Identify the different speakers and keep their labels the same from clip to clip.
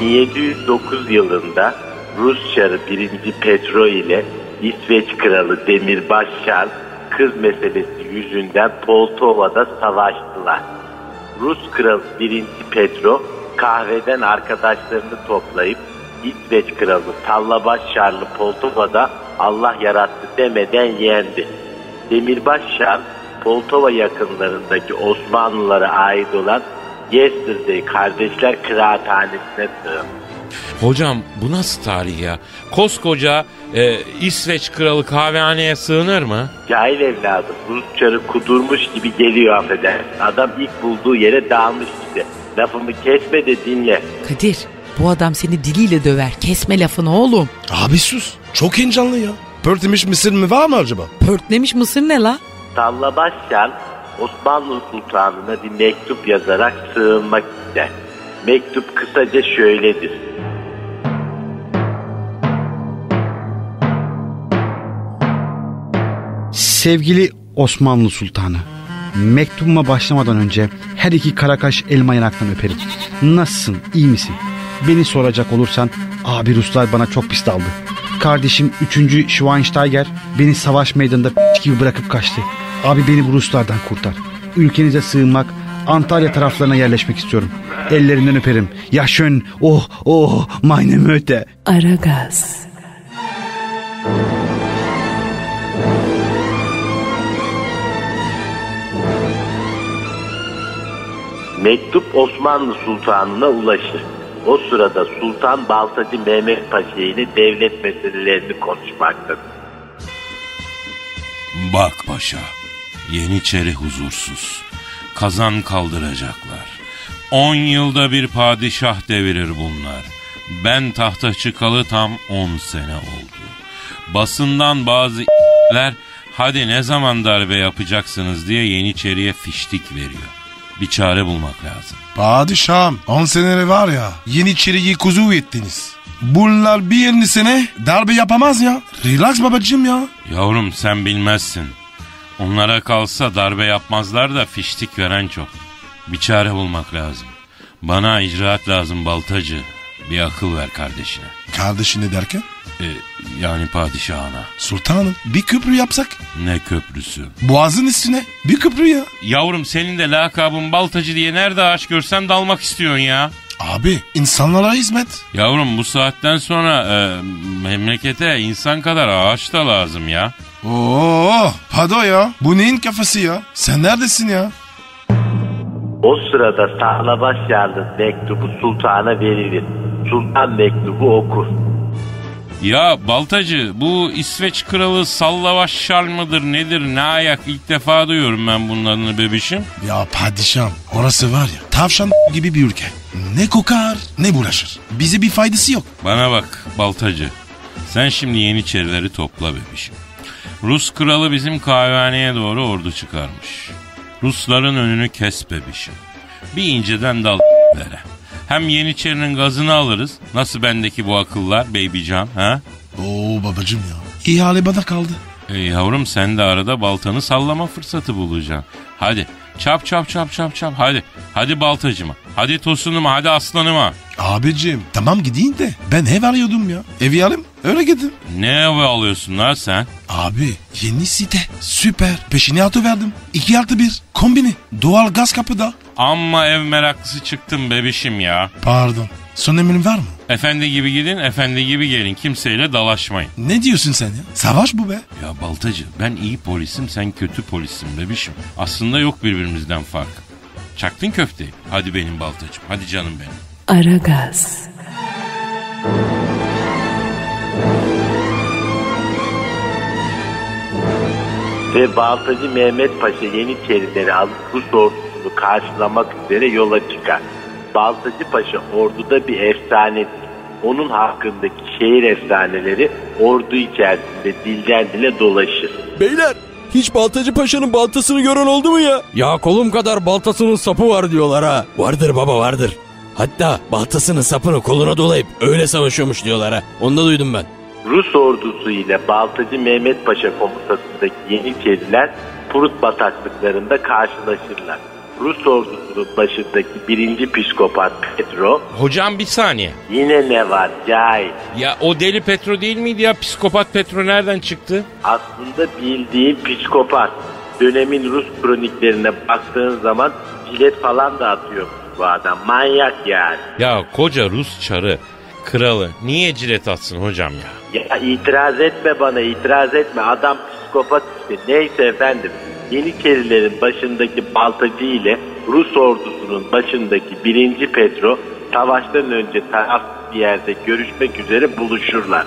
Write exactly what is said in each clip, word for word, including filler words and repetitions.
Speaker 1: bin yedi yüz dokuz yılında Rus Çarı birinci. Petro ile İsveç Kralı Demirbaş Şarl kız meselesi yüzünden Poltova'da savaştılar. Rus Kralı birinci. Petro kahveden arkadaşlarını toplayıp İsveç Kralı Sallabaş Şarl'ı Poltova'da Allah yarattı demeden yendi. Demirbaş Şarl Poltova yakınlarındaki Osmanlılara ait olan Yesterday Kardeşler Kıraathanesi'ne sığındı.
Speaker 2: Hocam bu nasıl tarih ya? Koskoca e, İsveç kralı kahvehaneye sığınır mı?
Speaker 1: Cahil evladım, Rus Çarı kudurmuş gibi geliyor affedersin. Adam ilk bulduğu yere dağılmış işte. Lafımı kesme de dinle.
Speaker 3: Kadir, bu adam seni diliyle döver. Kesme lafını oğlum.
Speaker 4: Abi sus. Çok heyecanlı ya. Pörtlemiş mısır mı var mı acaba?
Speaker 3: Pörtlemiş mısır ne la?
Speaker 1: Sallabaş Şarl Osmanlı Sultanı'na bir mektup yazarak sığınmak ister. Mektup kısaca şöyledir.
Speaker 5: Sevgili Osmanlı Sultanı, mektubuma başlamadan önce her iki karakaş elma yanaktan öperim. Nasılsın, iyi misin? Beni soracak olursan abi Ruslar bana çok pis daldı. Kardeşim üçüncü. Schweinsteiger beni savaş meydanında p*** gibi bırakıp kaçtı. Abi beni bu Ruslardan kurtar. Ülkenize sığınmak, Antalya taraflarına yerleşmek istiyorum. Ellerinden öperim. Ya schön, oh oh meine Möte.
Speaker 3: Aragaz.
Speaker 1: Mektup Osmanlı Sultanı'na ulaşır. O sırada Sultan Baltacı Mehmet Paşa ile devlet meselelerini konuşmaktadır.
Speaker 2: Bak paşa, Yeniçeri huzursuz. Kazan kaldıracaklar. On yılda bir padişah devirir bunlar. Ben tahta çıkalı tam on sene oldu. Basından bazı ***ler hadi ne zaman darbe yapacaksınız diye Yeniçeri'ye fiştik veriyor. Bir çare bulmak lazım.
Speaker 4: Padişahım on seneleri var ya Yeniçeri'yi kuzu ettiniz. Bunlar bir yirmi sene darbe yapamaz ya. Relax babacığım ya.
Speaker 2: Yavrum sen bilmezsin. Onlara kalsa darbe yapmazlar da fiştik veren çok. Bir çare bulmak lazım. Bana icraat lazım Baltacı. Bir akıl ver kardeşine.
Speaker 4: Kardeşine derken?
Speaker 2: Ee, yani padişahına.
Speaker 4: Sultanım bir köprü yapsak?
Speaker 2: Ne köprüsü?
Speaker 4: Boğazın üstüne bir köprü ya.
Speaker 2: Yavrum senin de lakabın Baltacı diye nerede ağaç görsen dalmak istiyorsun ya.
Speaker 4: Abi insanlara hizmet.
Speaker 2: Yavrum bu saatten sonra e, memlekete insan kadar ağaç da lazım ya.
Speaker 4: Oo, pado ya. Bu neyin kafası ya? Sen neredesin ya?
Speaker 1: O sırada Sallabaş Şarl'ın mektubu sultana verilir. Sultan mektubu okur.
Speaker 2: Ya Baltacı bu İsveç kralı Sallabaş Şarl mıdır nedir ne ayak ilk defa duyuyorum ben bunun adını bebişim.
Speaker 4: Ya padişahım orası var ya tavşan gibi bir ülke. Ne kokar ne bulaşır. Bize bir faydası yok.
Speaker 2: Bana bak Baltacı sen şimdi Yeniçerileri topla bebişim. Rus kralı bizim kahvehaneye doğru ordu çıkarmış. Rusların önünü kes bebişim. Bir inceden dal vere. Hem Yeniçerinin gazını alırız. Nasıl bendeki bu akıllar babycan ha?
Speaker 4: Oo babacığım ya. İhale bana kaldı.
Speaker 2: E yavrum sen de arada baltanı sallama fırsatı bulacaksın. Hadi çap çap çap çap çap hadi. Hadi Baltacıma. Hadi Tosun'uma hadi aslanıma.
Speaker 4: Abicim tamam gideyim de ben ev arıyordum ya. Evi alayım öyle gidin.
Speaker 2: Ne evi alıyorsun lan sen?
Speaker 4: Abi yeni site süper peşini atıverdim. iki artı bir kombini doğal gaz kapıda.
Speaker 2: Amma ev meraklısı çıktım bebişim ya.
Speaker 4: Pardon son emrin var mı?
Speaker 2: Efendi gibi gidin efendi gibi gelin kimseyle dalaşmayın.
Speaker 4: Ne diyorsun sen ya? Savaş bu be.
Speaker 2: Ya Baltacı ben iyi polisim sen kötü polissin bebişim. Aslında yok birbirimizden fark. Çaktın köfteyi. Hadi benim Baltacım hadi canım benim.
Speaker 3: Aragaz.
Speaker 1: Ve Baltacı Mehmet Paşa Yeniçerileri alıp Rus ordusunu karşılamak üzere yola çıkar. Baltacı Paşa orduda bir efsanedir. Onun hakkındaki şehir efsaneleri ordu içerisinde dilden dile dolaşır.
Speaker 6: Beyler hiç Baltacı Paşa'nın baltasını gören oldu mu ya? Ya kolum kadar baltasının sapı var diyorlar ha. Vardır baba vardır. Hatta baltasının sapını koluna dolayıp öyle savaşıyormuş diyorlar ha. Onu da duydum ben.
Speaker 1: Rus ordusu ile Baltacı Mehmet Paşa komutasındaki Yeniçeriler Prut bataklıklarında karşılaşırlar. Rus ordusunun başındaki birinci psikopat Petro.
Speaker 2: Hocam bir saniye.
Speaker 1: Yine ne var cahil?
Speaker 2: Ya o deli Petro değil miydi ya? Psikopat Petro nereden çıktı?
Speaker 1: Aslında bildiğin psikopat. Dönemin Rus kroniklerine baktığın zaman jilet falan da atıyor bu adam. Manyak yani.
Speaker 2: Ya koca Rus çarı, kralı niye cilet atsın hocam ya?
Speaker 1: Ya itiraz etme bana, itiraz etme. Adam psikopat işte. Neyse efendim. Yeniçerilerin başındaki Baltacı ile Rus ordusunun başındaki birinci Petro savaştan önce tarafsız bir yerde görüşmek üzere buluşurlar.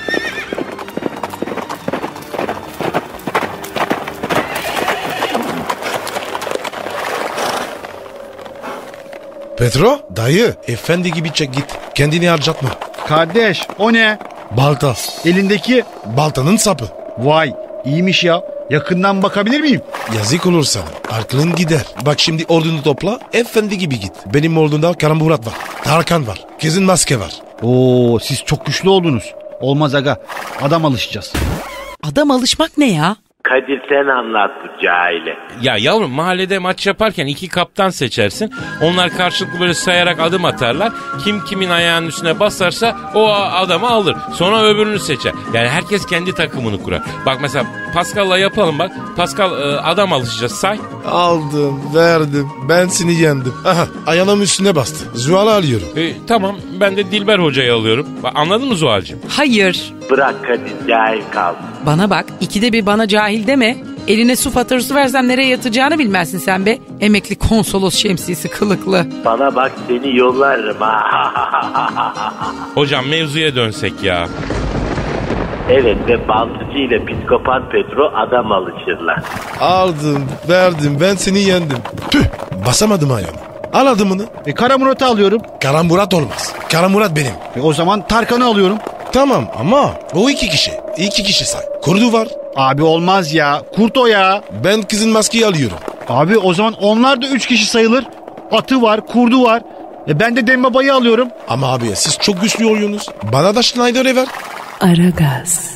Speaker 4: Petro dayı efendi gibi çek git. Kendini harcatma.
Speaker 5: Kardeş o ne?
Speaker 4: Balta.
Speaker 5: Elindeki
Speaker 4: Baltanın sapı.
Speaker 5: vay iyiymiş ya. Yakından bakabilir miyim?
Speaker 4: Yazık olur sana. Aklın gider. Bak şimdi ordunu topla. Efendi gibi git. Benim ordumda Karamburat var. Tarkan var. Kesin maske var.
Speaker 5: Oo siz çok güçlü oldunuz. Olmaz aga. Adam alışacağız.
Speaker 3: Adam alışmak ne ya?
Speaker 1: Kadir sen anlat bu cahile.
Speaker 2: Ya yavrum mahallede maç yaparken iki kaptan seçersin. Onlar karşılıklı böyle sayarak adım atarlar. Kim kimin ayağının üstüne basarsa o adamı alır. Sonra öbürünü seçer. Yani herkes kendi takımını kurar. Bak mesela Pascal'la yapalım bak. Pascal e, adam alışacağız say.
Speaker 4: Aldım, verdim. Ben seni yendim. Aha, ayağımın üstüne bastı. Zuhal'ı alıyorum.
Speaker 2: E, tamam ben de Dilber hocayı alıyorum. Bak, anladın mı Zuhal'cığım?
Speaker 3: Hayır.
Speaker 1: Bırak Kadir, cahil kal.
Speaker 3: Bana bak, ikide bir bana cahil deme. Eline su faturası versem nereye yatacağını bilmezsin sen be. Emekli konsolos şemsiyesi kılıklı.
Speaker 1: Bana bak seni yollarım ha.
Speaker 2: Hocam mevzuya dönsek ya.
Speaker 1: Evet ve Baltıcı ile psikopat Petro adam alışırlar.
Speaker 4: Aldım, verdim. Ben seni yendim. Tüh, basamadım ayağımı. Al adımını.
Speaker 5: E Karamurat'ı alıyorum.
Speaker 4: Karamburat olmaz. Karamurat benim.
Speaker 5: E o zaman Tarkan'ı alıyorum.
Speaker 4: Tamam ama o iki kişi. İki kişi say. Kurdu var.
Speaker 5: Abi olmaz ya. Kurt o ya.
Speaker 4: Ben kızın maskeyi alıyorum.
Speaker 5: Abi o zaman onlar da üç kişi sayılır. Atı var, kurdu var. E ben de Dembaba'yı alıyorum.
Speaker 4: Ama abi siz çok güçlü oluyorsunuz. Bana da Schneider'e ver.
Speaker 3: Aragaz.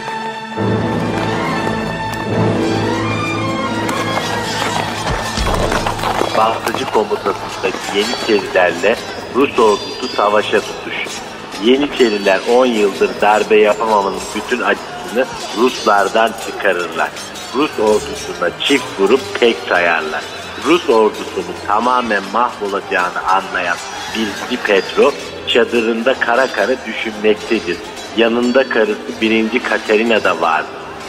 Speaker 1: Baltıcı komutasındaki Yeniçerilerle Rus ordusu savaşa tutuşur. Yeniçeriler on yıldır darbe yapamamanın bütün acısını Ruslardan çıkarırlar. Rus ordusuna çift vurup tek sayarlar. Rus ordusunun tamamen mahvolacağını anlayan birinci Petro çadırında kara kara düşünmektedir. Yanında karısı birinci Katerina da vardır.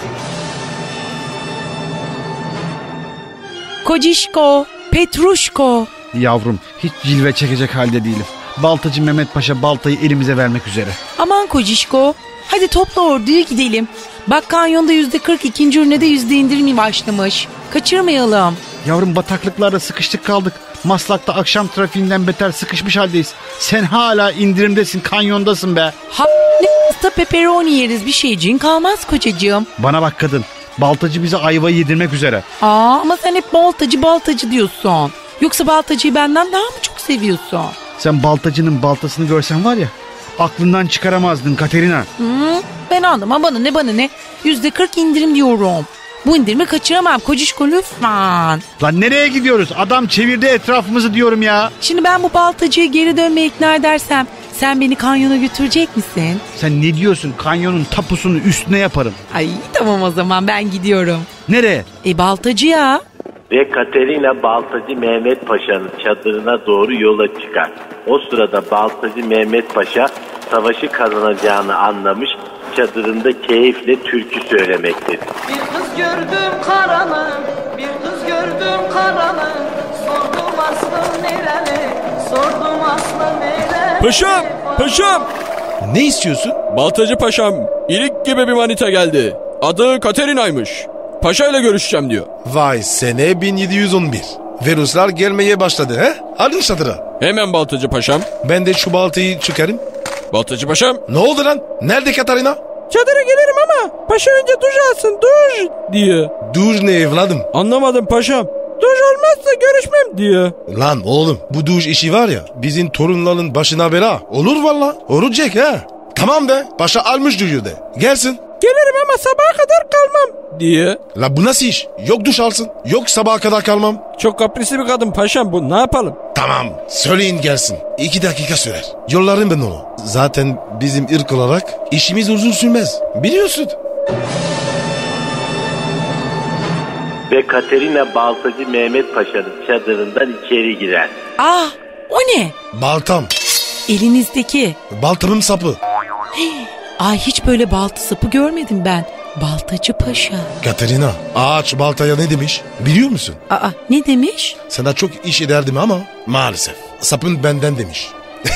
Speaker 3: Kocişko, Petruşko.
Speaker 5: Yavrum hiç cilve çekecek halde değilim. Baltacı Mehmet Paşa baltayı elimize vermek üzere.
Speaker 3: Aman Kocişko, hadi topla orduyu gidelim. Bak kanyonda yüzde kırk, ikinci ürüne yüzde indirim başlamış. Kaçırmayalım.
Speaker 5: Yavrum bataklıklarda sıkıştık kaldık. Maslak'ta akşam trafiğinden beter sıkışmış haldeyiz. Sen hala indirimdesin, kanyondasın be.
Speaker 3: Ha ne hasta pepperoni yeriz, bir şeyciğin kalmaz kocacığım.
Speaker 5: Bana bak kadın, baltacı bize ayvayı yedirmek üzere.
Speaker 3: Aa ama sen hep baltacı baltacı diyorsun. Yoksa baltacıyı benden daha mı çok seviyorsun?
Speaker 5: Sen baltacının baltasını görsen var ya, aklından çıkaramazdın Katerina.
Speaker 3: Hı, ben anlamam, bana ne bana ne. Yüzde kırk indirim diyorum. Bu indirimi kaçıramam Kocişko lütfen.
Speaker 5: Lan nereye gidiyoruz? Adam çevirdi etrafımızı diyorum ya.
Speaker 3: Şimdi ben bu baltacıyı geri dönmeye ikna edersem sen beni kanyona götürecek misin?
Speaker 5: Sen ne diyorsun? Kanyonun tapusunu üstüne yaparım.
Speaker 3: Ay tamam o zaman ben gidiyorum.
Speaker 5: Nereye?
Speaker 3: E baltacıya.
Speaker 1: Ve Katerina Baltacı Mehmet Paşa'nın çadırına doğru yola çıkar. O sırada Baltacı Mehmet Paşa savaşı kazanacağını anlamış, çadırında keyifle türkü söylemektedir.
Speaker 7: Bir kız gördüm karanın, bir kız gördüm karanın. Sordum aslı nereli, sordum aslı nereli.
Speaker 6: Paşam, paşam.
Speaker 4: Ne istiyorsun?
Speaker 6: Baltacı paşam, ilik gibi bir manita geldi. Adı Katerina'ymış. Paşa ile görüşeceğim diyor.
Speaker 4: Vay sene bin yedi yüz on bir. Ve Ruslar gelmeye başladı he? Alın çadıra.
Speaker 6: Hemen Baltacı paşam.
Speaker 4: Ben de şu baltayı çıkarım.
Speaker 6: Baltacı paşam.
Speaker 4: Ne oldu lan? Nerede Katarina?
Speaker 6: Çadıra gelirim ama paşa önce duş alsın duş diye.
Speaker 4: Duş ne evladım?
Speaker 6: Anlamadım paşam. Duş olmazsa görüşmem diye.
Speaker 4: Lan oğlum bu duş işi var ya bizim torunların başına bela. Olur valla. Olacak ha. Tamam be paşa almış duyu de. Gelsin.
Speaker 6: Gelirim ama sabaha kadar kalmam diye.
Speaker 4: La bu nasıl iş? Yok duş alsın. Yok sabaha kadar kalmam.
Speaker 6: Çok kaprisli bir kadın paşam bu, ne yapalım?
Speaker 4: Tamam söyleyin gelsin. İki dakika sürer. Yollarım ben onu. Zaten bizim ırk olarak işimiz uzun sürmez. Biliyorsun.
Speaker 1: Ve Katerina Baltacı Mehmet Paşa'nın çadırından içeri girer.
Speaker 3: Ah, o ne?
Speaker 4: Baltam.
Speaker 3: Elinizdeki.
Speaker 4: Baltamın sapı.
Speaker 3: Ay, hiç böyle balta sapı görmedim ben. Baltacı Paşa.
Speaker 4: Katerina, ağaç baltaya ne demiş biliyor musun?
Speaker 3: Aa, ne demiş?
Speaker 4: Sana çok iş ederdim ama maalesef sapın benden demiş.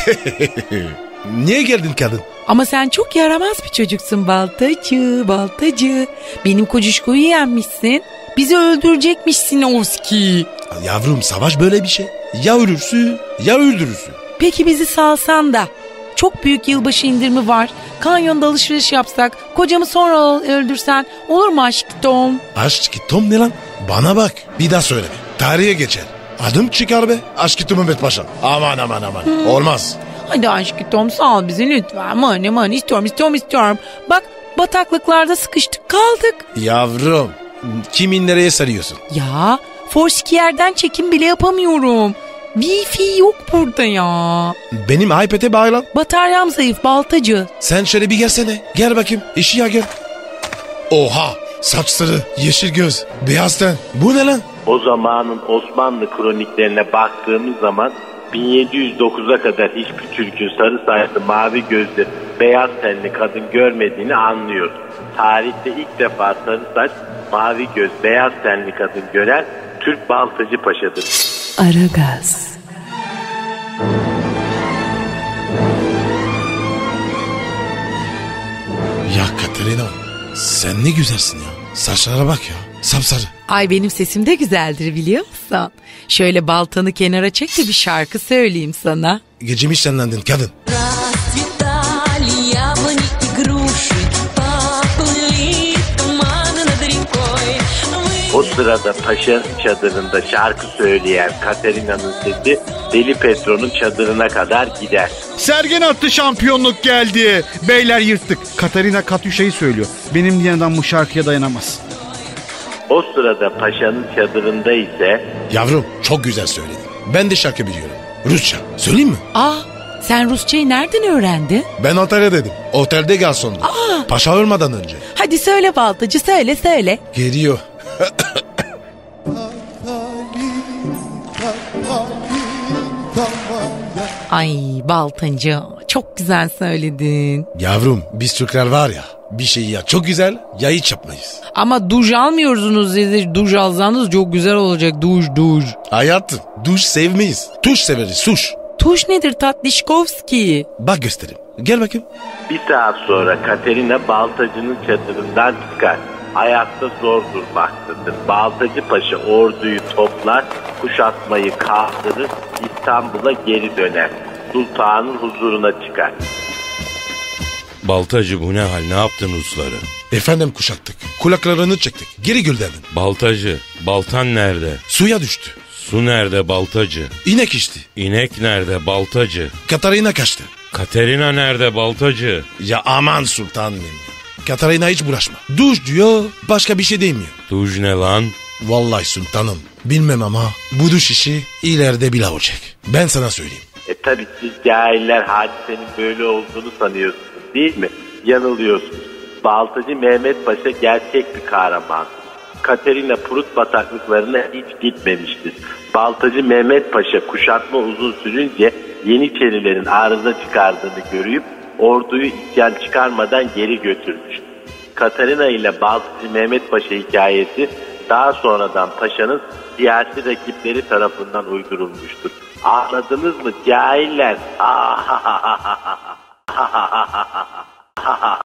Speaker 4: Niye geldin kadın?
Speaker 3: Ama sen çok yaramaz bir çocuksun baltacı, baltacı. Benim kocuşkoyu yenmişsin. Bizi öldürecekmişsin Oski.
Speaker 4: Yavrum savaş böyle bir şey. Ya ölürsün ya öldürürsün.
Speaker 3: Peki bizi salsan da. Çok büyük yılbaşı indirimi var. Kanyonda alışveriş yapsak, kocamı sonra öldürsen olur mu aşkım?
Speaker 4: Aşk Tom ne lan? Bana bak bir daha söyleme. Tarihe geçer. Adım çıkar be. Aşk Mehmet Paşa. Aman aman aman. Hmm. Olmaz.
Speaker 3: Hadi aşkım sal bizi lütfen. Mani mani istiyorum istiyorum istiyorum. Bak bataklıklarda sıkıştık kaldık.
Speaker 4: Yavrum kimin nereye sarıyorsun?
Speaker 3: Ya Foursquare'den çekim bile yapamıyorum. Wi-Fi yok burada ya.
Speaker 4: Benim iPad'e bağlan.
Speaker 3: Bataryam zayıf baltacı.
Speaker 4: Sen şöyle bir gelsene. Gel bakayım. İşi ya gel. Oha. Saçları, yeşil göz, beyaz ten. Bu ne lan?
Speaker 1: O zamanın Osmanlı kroniklerine baktığımız zaman bin yedi yüz dokuza kadar hiçbir Türk'ün sarı saçlı, mavi gözlü, beyaz tenli kadın görmediğini anlıyoruz. Tarihte ilk defa sarı saç, mavi göz, beyaz tenli kadın gören Türk Baltacı Paşa'dır.
Speaker 3: Aragaz.
Speaker 4: Ya Katerina, sen ne güzelsin ya. Saçlara bak ya, sapsarı.
Speaker 3: Ay benim sesim de güzeldir biliyor musun? Şöyle baltanı kenara çek de bir şarkı söyleyeyim sana.
Speaker 4: Gecemi şenlendin kadın.
Speaker 1: O sırada paşa çadırında şarkı söyleyen Katerina'nın sesi Deli Petro'nun çadırına kadar gider.
Speaker 5: Sergen attı, şampiyonluk geldi. Beyler yırttık. Katerina Katyuşa'yı söylüyor. Benim diyen adam bu şarkıya dayanamaz.
Speaker 1: O sırada paşanın çadırında ise...
Speaker 4: Yavrum çok güzel söyledin. Ben de şarkı biliyorum. Rusça. Söyleyeyim mi?
Speaker 3: Aa, sen Rusçayı nereden öğrendin?
Speaker 4: Ben otele dedim. Otelde garsondum.
Speaker 3: Aa.
Speaker 4: Paşa ölmeden önce.
Speaker 3: Hadi söyle baltacı, söyle söyle.
Speaker 4: Geliyor.
Speaker 3: Ay baltacı, çok güzel söyledin.
Speaker 4: Yavrum biz Türkler var ya, bir şeyi ya çok güzel ya hiç yapmayız.
Speaker 3: Ama duş almıyorsunuz dedi. Duş alsanız çok güzel olacak. Duş duş.
Speaker 4: Hayatım duş sevmeyiz. Tuş severiz tuş.
Speaker 3: Tuş nedir Tatlışkovski?
Speaker 4: Bak göstereyim. Gel bakayım.
Speaker 1: Bir saat sonra Katerina Baltacı'nın çadırından çıkar. Ayakta zor durmaktadır. Baltacı Paşa orduyu toplar, kuşatmayı kaldırır, İstanbul'a geri döner. Sultanın huzuruna çıkar.
Speaker 2: Baltacı bu ne hal, ne yaptın Rusları?
Speaker 4: Efendim kuşattık. Kulaklarını çektik. Geri gönderdin.
Speaker 2: Baltacı, baltan nerede?
Speaker 4: Suya düştü.
Speaker 2: Su nerede Baltacı?
Speaker 4: İnek içti.
Speaker 2: İnek nerede Baltacı?
Speaker 4: Katarina kaçtı.
Speaker 2: Katerina nerede Baltacı?
Speaker 4: Ya aman sultanım. Katarina hiç bulaşma. Duş diyor, başka bir şey demiyor.
Speaker 2: Duş ne lan?
Speaker 4: Vallahi sultanım. Bilmem ama bu duş işi ileride bile olacak. Ben sana söyleyeyim.
Speaker 1: E tabi siz cahiller hadisenin böyle olduğunu sanıyorsunuz değil mi? Yanılıyorsunuz. Baltacı Mehmet Paşa gerçek bir kahraman. Katerina Prut bataklıklarına hiç gitmemiştir. Baltacı Mehmet Paşa kuşatma uzun sürünce Yeniçerilerin arıza çıkardığını görüp orduyu isyan çıkarmadan geri götürmüş. Katerina ile Baltacı Mehmet Paşa hikayesi daha sonradan paşanın siyasi rakipleri tarafından uydurulmuştur. Anladınız mı cahiller?